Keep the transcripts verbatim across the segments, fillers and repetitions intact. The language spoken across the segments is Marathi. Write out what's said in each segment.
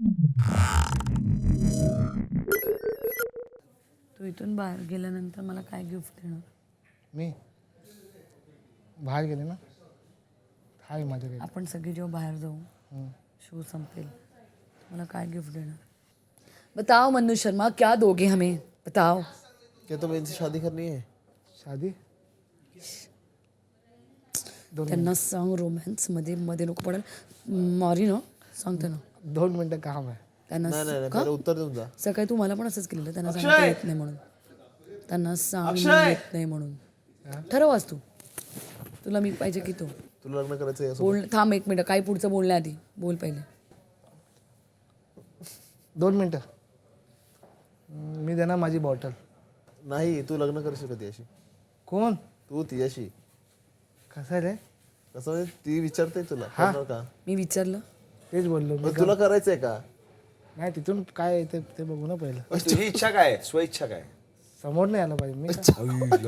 तू इथून बाहेर गेल्यानंतर मला काय गिफ्ट देणार? मी बाहेर गेले ना, हाय माझ्याकडे. आपण सगळे जेव्हा बाहेर जाऊ, शो संपेल, मला काय गिफ्ट देणार? बताओ मनु शर्मा, क्या दोगे हमें? बताओ. क्या तुम्हें इनसे शादी करनी है? शादी त्यांना सांग रोमॅन्स मध्ये मध्ये नको पडेल. मारी ना सांगते ना. दोन मिनिटं काम आहे. त्यांना नाही नाही का? पहिले उत्तर देऊन जा. सकाळी तू मला पण असंच केलेलं, त्यांना सांगता येत नाही म्हणून. त्यांना सांग येत नाही म्हणून. ठरवास तू, तुला मी पाहिजे की तू तुला लग्न करायचं आहे बोल. थांब एक मिनिट, काय पुढचं बोलण्याआधी बोल पहिले. दोन मिनिटं. मी देणार माझी बॉटल. नाही, तू लग्न करशील का तिच्याशी? कोण? तू तिच्याशी. कसं रे? कसं म्हणजे ती विचारते तुला करणार का? मी विचारलं तेच बोललो मी. पण तुला करायचंय का? नाही, तिथून काय येते ते बघू ना पहिलं. तुझी इच्छा काय? स्वइच्छा काय? समोर नाही आलं पाहिजे. मी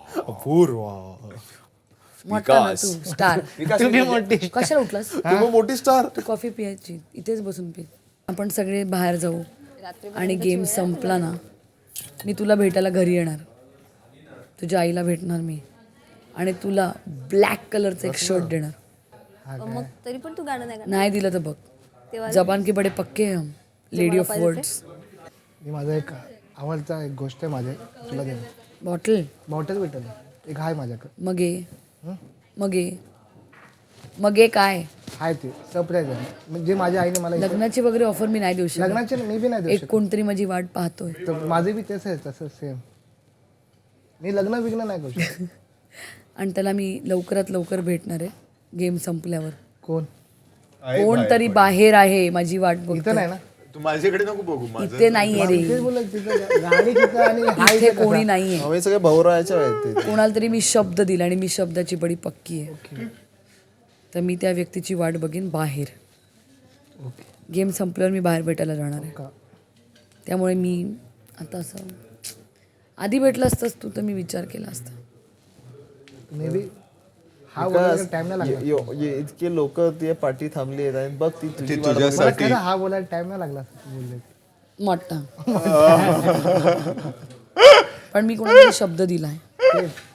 मोठा ना तू स्टार. तुम्ही मोठी. कशाला उठलास? तू मग मोठी स्टार. तू कॉफी पियायची, इथेच बसून पी. आपण सगळे बाहेर जाऊ आणि गेम संपला ना, मी तुला भेटायला घरी येणार. तुझ्या आईला भेटणार मी आणि तुला ब्लॅक कलरचं एक शर्ट देणार. मग तरी पण तू गाणं नाही नाही दिलं तर बघ, जबान के बडे पक्के हम, लेडी ऑफ वर्ड्स. मी माझा एक आवडता एक गोष्ट आहे माझे तुला देणार. बॉटल बॉटल भेटल एक आहे माझ्याकडे. मग ये मग ये मग ये काय आहे ते सरप्राईज आहे. म्हणजे माझ्या आईने मला इथे- लग्नाची वगैरे ऑफर मी नाही देऊ शकत. लग्नाचे मी बी नाही देऊ एक कोणतरी माझी वाट पाहतोय. शकत. तर माझे बी तेच आहे तसं सेम. मी लग्न विग्न नाही करू शकत. आणि त्याला मी लवकरात लवकर भेटणार आहे गेम संपल्यावर. कोण? कोणतरी बाहेर आहे, माझी वाट इथं बघतोय. नाही ना. तू माझ्याकडे नको बघू. माझं इथे नाहीये रे, तेच बोलत तिथं गाडी तिथं आणि हा इथे कोणी नाहीये. आम्ही सगळे भाऊरायाच्या आहेत ते. कोणाला तरी मी शब्द दिला आणि मी शब्दाची बडी पक्की आहे. तर मी त्या व्यक्तीची वाट बघेन बाहेर. गेम संपल्यावर मी बाहेर भेटायला जाणार आहे. का? त्यामुळे मी आता असं आधी भेटलं असतंस तू तर मी विचार केला असता. मे बी हा बोलायला टाइम नाही लागला. ये- यो- ये इतके लोक ती पार्टी थांबली आहेत आणि बघ ती तुझी वाट मला तुझ्यासाठी खरं हा बोलायला टाइम नाही लागला असं बोलले. मोठा पण मी कोणाला शब्द दिलाय. तेच